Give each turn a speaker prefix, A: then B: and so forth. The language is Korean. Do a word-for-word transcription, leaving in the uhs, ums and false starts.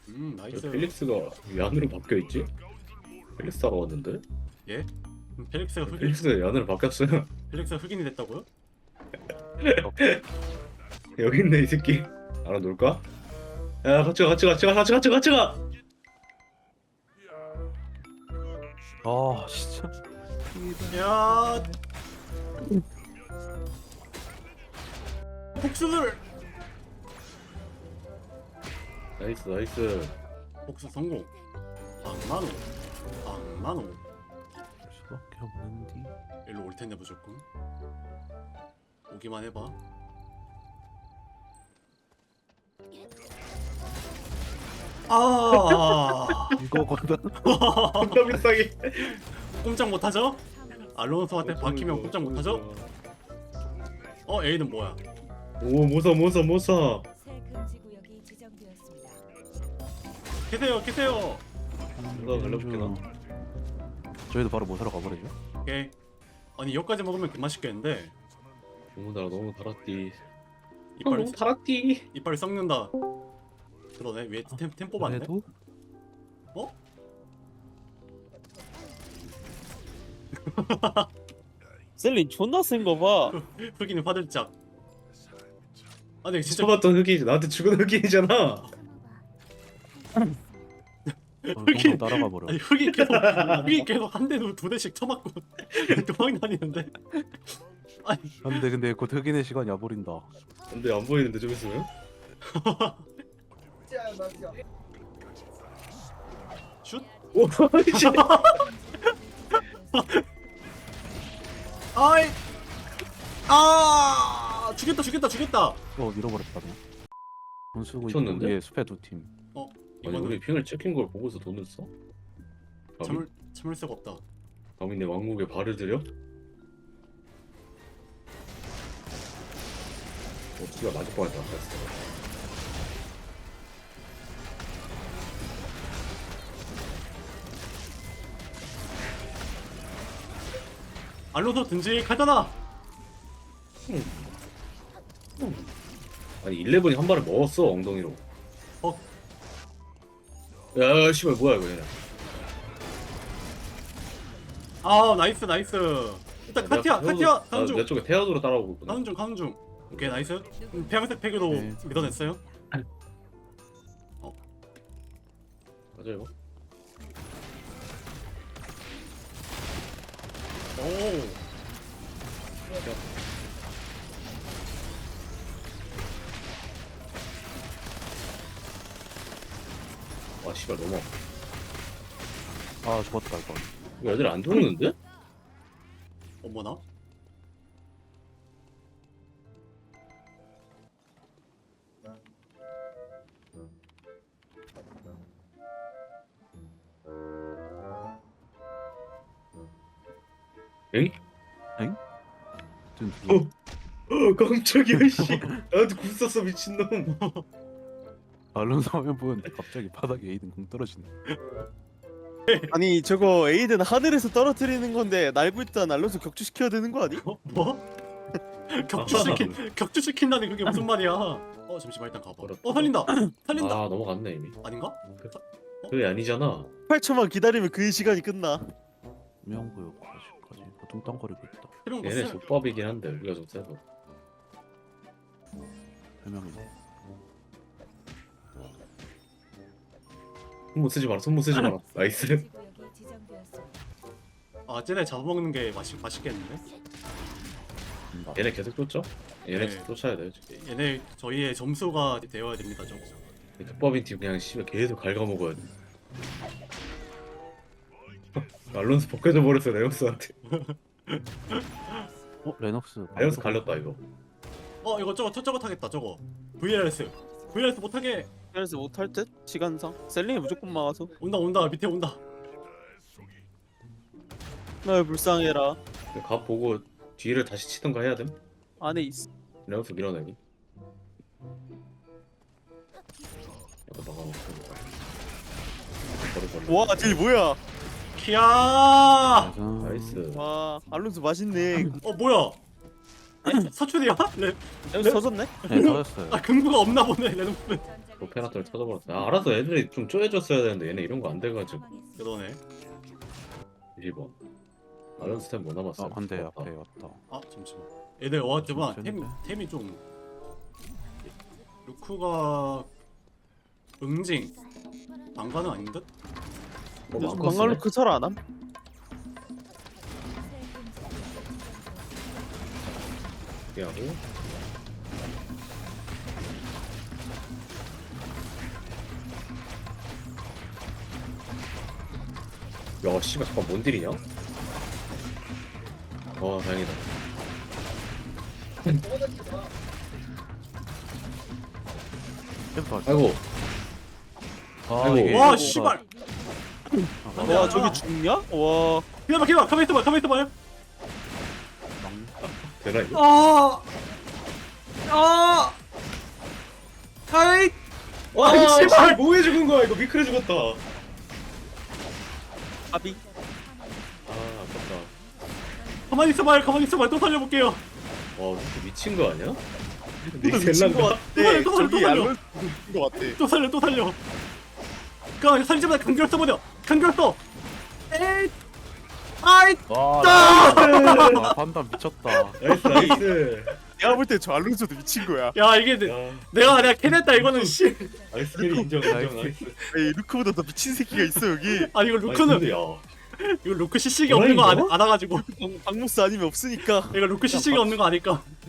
A: 음
B: 왜
A: 나이스.
B: 펠릭스가 왜 안으로 바뀌어있지? 펠릭스가 왔는데?
A: 예? 음, 펠릭스가 흑인
B: 펠릭스가 왜 안으로 바뀌었어요?
A: 펠릭스가 흑인이 됐다고요?
B: 여기 있네 이 새끼. 알아놀까? 야 같이 가 같이 가 같이 가 같이 가 같이 가 같이 가.
C: 아 진짜.
A: 야 복수를
B: 나이스 나이스.
A: 복수 성공. 악마노 악마노
C: 할 수밖에 없는디.
A: 일로 올 텐데 무조건 오기만 해봐. 아
C: 이거거든.
B: 존나 비싸게.
A: 꼼짝 못하죠? 알론소한테 박히면 꼼짝 못하죠? 어 A는 뭐야?
B: 오 모사 모사 모사.
D: 새 금지 구역이 지정되었습니다.
A: 계세요 계세요.
B: 누가 갈라볼게 나.
C: 저희도 바로 모사로 가버리죠.
A: 오케이. 아니 여기까지 먹으면 개맛있겠는데
B: 너무 달아 너무 달았디.
A: 이빨
B: 너무 달았디.
A: 이빨 썩는다. 그러네 위에 템, 템 뽑았네.
C: 그래도
A: 어?
E: 셀린 존나 센 거 봐.
A: 흑인이 화들짝. 아 근데 진짜
B: 쳐봤던 흑인 나한테 죽은 흑인이잖아.
A: 흑인-
C: 흑인 따라가 버려.
A: 아니 흑인 계속 흑인 계속 한 대도 두 대씩 쳐맞고 도망 다니는데. 아니
C: 근데 근데 곧 흑인의 시간이 와버린다.
B: 근데 안 보이는데 좀 있으면?
A: 슛?
B: 오 씨.
A: 아이 아 죽겠다 죽겠다 죽겠다.
C: 어 잃어버렸다. 돈 쓰고 있고
B: 미쳤는데?
C: 위에 숲에 두 팀.
B: 아니
A: 이거는
B: 우리 핑을 찍힌 걸 보고서 돈을 써? 감히,
A: 참을 참을 수가 없다.
B: 감히 내 왕국에 발을 들여? 어, 씨가 맞을 뻔했다. 됐어.
A: 알론소 든직하잖아.
B: 아니 일레븐이 한 발을 먹었어 엉덩이로.
A: 어?
B: 야 씨발 뭐야 이거 얘네.
A: 아 나이스 나이스. 일단 카티아 카티아 가는 중
B: 내 쪽에 태양으로 따라오고 있구나.
A: 가는 중 가는 중. 오케이 나이스. 음, 폐양색 팩으로
C: 네.
A: 밀어냈어요.
B: 맞아 이거.
A: 오.
B: 와 씨발 너무 아파.
C: 아 죽었다 이거.
B: 이거 애들 안 죽는데?
A: 어머나.
B: 엥?
C: 지금
B: 어? 어 깜짝이야 씨. 나한테 굴 쐈어 미친놈.
C: 알론소 하면 보는데 갑자기 바닥에 에이든 공 떨어지네.
E: 아니 저거 에이든 하늘에서 떨어뜨리는 건데 날고 있던 알론소 격추시켜야 되는 거 아니?
A: 어? 뭐? 격추시킨 격추시킨다니 그게 무슨 말이야? 어 잠시만 일단 가봐. 어 살린다 살린다.
B: 아 넘어갔네 이미.
A: 아닌가?
B: 그게 아니잖아.
E: 팔 초만 기다리면 그 시간이 끝나.
C: 명구역 아직까지 뭐 뚱땅거리고 있다.
A: 해명
B: 얘네
A: 봤어.
B: 족밥이긴 한데 우리가 좀 세서.
C: 해명이.
B: 손 못 쓰지 마라. 손 못 쓰지 마라. 나이스.
D: 금지 구역이 지정되었습니다.
A: 아 쟤네 잡아먹는 게 맛있 맛있겠는데?
B: 얘네 계속 쫓죠? 얘네
A: 네.
B: 쫓아야 돼요 지금.
A: 얘네 저희의 점수가 되어야 됩니다 좀.
B: 족밥인 팀 그냥 씨발 계속 갉아먹어야 돼. 알론스 벗겨져 버렸어 레오스한테.
C: 어 레녹스.
B: 레오스 갈렸다 이거.
A: 어 이거 저거 저거 타겠다 저거. 브이알에스 브이알에스 못하게.
E: 그래서 못할 듯 시간상. 셀린이 무조건 막아서.
A: 온다 온다 밑에 온다.
E: 날 불쌍해라.
B: 가 보고 뒤를 다시 치던가 해야 됨.
E: 안에 있어.
B: 레오스 밀어내기. 약간 막아놓고. 버려 버려.
E: 와, 딜 뭐야?
A: 키야.
B: 나이스.
E: 와, 알론소 맛있네.
A: 어 뭐야? 사춘이야? 레,
E: 레몬 터졌네?
C: 네 터졌어요.
A: 아 금구가 없나 보네 레노프는.
D: 전장을
B: 오페라터를 터져버렸어. 아 알았어 애들이 좀 쪼여줬어야 되는데 얘네 이런 거 안 돼가지고.
A: 그러네.
B: 이십 번. 알론스 템뭐 남았어?
C: 아 안돼 앞에 왔다.
A: 아 잠시만. 애들 와지만
C: 좀
A: 템
C: 미쳤는데?
A: 템이 좀 루크가 응징 난간은 아닌 듯?
B: 뭐
E: 요즘
B: 많고
E: 방갈로
B: 쓰네.
E: 그 설 안 함?
B: 하고. 야 씨발 잠깐 뭔 딜이냐? 와 다행이다.
C: 템퍼.
B: 아이고
C: 아
B: 아이고.
C: 이게.
A: 와
C: 이거가-
A: 씨발.
C: 아,
A: 안 돼,
E: 와
A: 안 돼.
E: 저기 죽냐? 와
A: 기다려 기다려 가만 있어봐 가만 있어봐.
C: 망-
B: 되나 이거?
A: 아. 아. 아이.
B: 와
A: 아이, 씨발!
B: 씨발 뭐해 죽은 거야 이거 미크레 죽었다.
E: 아비
B: 아 아깝다.
A: 가만히 있어봐요 가만히 있어봐요 또 살려볼게요.
B: 와 이렇게 미친 거 아니야?
E: 또 미친 거
B: 닉셀란가?
E: 같아.
A: 또 살려, 또 살려, 또
E: 저기
A: 살려.
E: 알론소 미친 거 같아.
A: 또 살려 또 살려. 가 살리자마자 간결 써버려. 간결 써. 에이. 아이.
C: 와.
A: 아!
C: 나- 아 판단 미쳤다.
B: 나이스 나이스.
E: 내가 볼 때 저 알론소도 미친 거야.
A: 야 이게 내,
B: 야
A: 내가 내가 캐냈다 이거는 씨.
B: 나이스 캐리 인정 인정
C: 나이스.
B: 나이스.
E: 에이 루크보다 더 미친 새끼가 있어 여기.
A: 아니 이거
B: 아니,
A: 루크는
B: 근데 야
A: 이거 루크 씨씨가 없는 거 안,
B: 뭐야,
A: 알아가지고
E: 방, 방무스 아니면 없으니까.
A: 이거 루크 씨씨가 없는 거 아니까.